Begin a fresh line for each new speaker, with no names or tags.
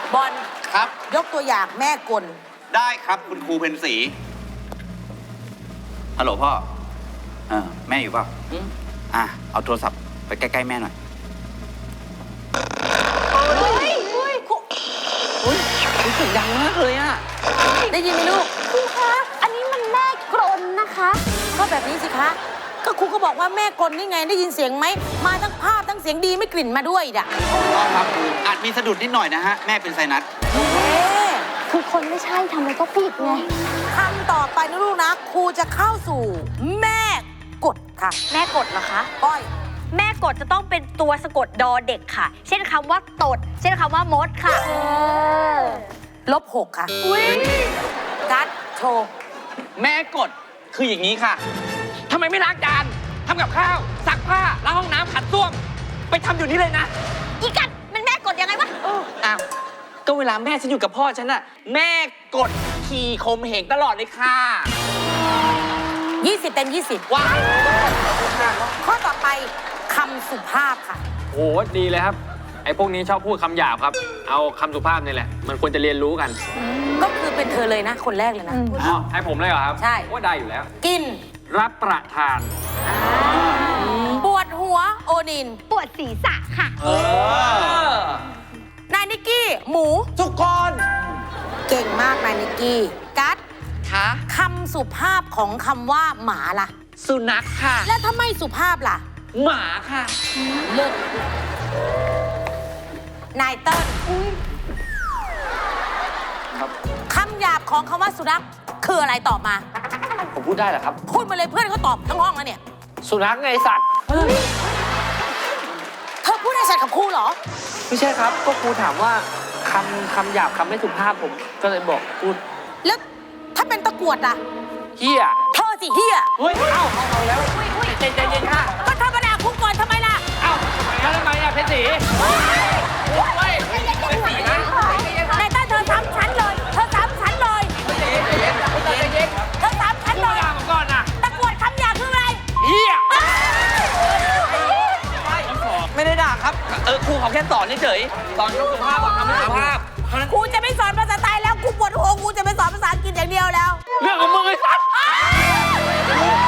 บอล
ครับ
ยกตัวอย่างแม่กล
ได้ครับคุณครูเพนสีฮัลโหลพ่อแม่อยู่เปล่าเอาโทรศัพท์ไปใกล้ๆแม่หน่อย
เสียงดังมากเลยอะ
ได้ยินไหมลูก
ครูคะ อันนี้มันแม่กรนนะคะ
ก็แบบนี้สิคะ ก็ครูก็บอกว่าแม่กลนี่ไงได้ยินเสียงไหม มาทั้งภาพทั้งเสียงดีไม่กลิ่นมาด้วยอ่ะ
ครับอาจมีสะดุดนิดหน่อยนะฮะ แม่เป็นไซนัส
คือคนไม่ใช่ทำอะไรก็ผิดไง
คำต่อไปนะลูกนะ ครูจะเข้าสู่แม่กดค่ะ
แม่กดเหรอคะ
ก้อย
แม่กดจะต้องเป็นตัวสะกดดอเด็กค่ะ เช่นคำว่าตด เช่นคำว่ามดค่ะ
-6 ค่ะกัดโชว์
แม่กดคืออย่างนี้ค่ะทำไมไม่ล้างจานทำกับข้าวซักผ้าล้างห้องน้ำขัดส้วมไปทำอยู่นี่เลยนะ
อีกัดมันแม่กดยังไงวะ
อ้าวก็เวลาแม่ฉันอยู่กับพ่อฉันน่ะแม่กดขี่ข่มเหงตลอดเลยค่ะ
20 เต็ม 20
ว้าย
ข้อต่อไปคำสุภาพค่ะ
โอ้ดีเลยครับ ไอ้พวกนี้ชอบพูดคำหยาบครับ เอาคำสุภาพนี่แหละ มันควรจะเรียนรู้กัน
ก็คือเป็นเธอเลยนะ คนแรกเลยนะ
อ๋อให้ผมเลยเหรอครับ
ใช่
ว่าได้อยู่แล้ว
กิน
รับประทาน
ปวดหัวโอนิน
ปวดศีรษะค่ะ
นายนิกกี้ หมู
ทุกคน
เก่งมากนายนิกกี้กัด
คะ
คำสุภาพของคำว่าหมาล่ะ
สุนัขค่ะ
แล้วถ้าไม่สุภาพล่ะ
หมาค่ะ
เลิกนายเติ้ลคำหยาบของคำว่าสุนัขคืออะไรตอบมา
ผมพูดได้เหรอครับ
พูดมาเลยเพื่อนเขาตอบทั้งห้องแล้วเนี่ย
สุนัขไงสัตว์
เธอพูดให้ฉันกับครูเหรอ
ไม่ใช่ครับ ก็ครูถามว่าคำหยาบคำไม่สุภาพผม ก็เลยบอกพูด
แล้วถ้าเป็นตะกรวดล่ะ
เฮีย
เธอสิเฮีย
เฮ้ย เอ้าเอาแล้วใจเย็นๆค่ะ
ก็ธรรมดาคุกก่อนทำไมล่ะ
เอ้าแล้วทำไมอ่ะเพชรศรีเฮ้ยเพชรศรีนะ
นายเติ้ลเธอซ้ำฉันเลย เธอซ้ำฉันเลย เธอซ้ำฉันเลย
ด่าผมก่อนนะ
ตะกรวดคำหยาบคืออะไร
เฮีย
ไม่ได้ด่าครับ ครูเขาแค่สอนเฉยๆสอนคำสุภาพกับคำไม่สุภาพ
ครูจะไม่สอนภาษาไทยแล้วครูปวดหัวครูจะไปสอนภาษาอังกฤษอย่างเดียวแล้ว
เรื่องของมึงไอ้สัตว์